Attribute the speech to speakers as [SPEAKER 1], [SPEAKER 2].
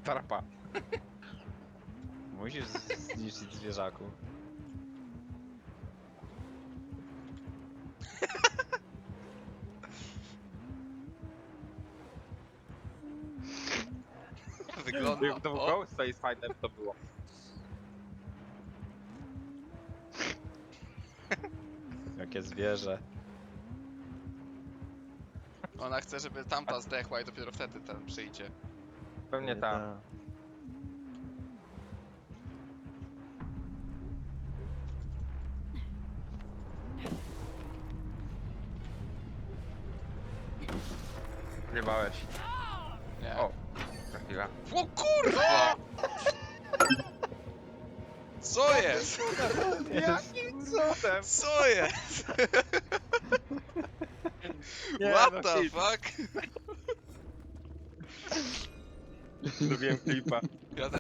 [SPEAKER 1] Trapa.
[SPEAKER 2] Musisz zniszczyć zwierzaku.
[SPEAKER 3] Wygląda...
[SPEAKER 1] To był
[SPEAKER 3] O,
[SPEAKER 1] Ghost Face Fighter to było.
[SPEAKER 2] Jakie zwierzę.
[SPEAKER 3] ona chce, żeby tamta zdechła i dopiero wtedy ten przyjdzie.
[SPEAKER 1] Pewnie tam. Zjebałeś.
[SPEAKER 3] Nie.
[SPEAKER 1] O, trafiła.
[SPEAKER 3] O kurwa! Co jest?
[SPEAKER 1] Jakim cudem?
[SPEAKER 3] Co jest? What the fuck?
[SPEAKER 1] Lubiłem klipa.
[SPEAKER 3] Ja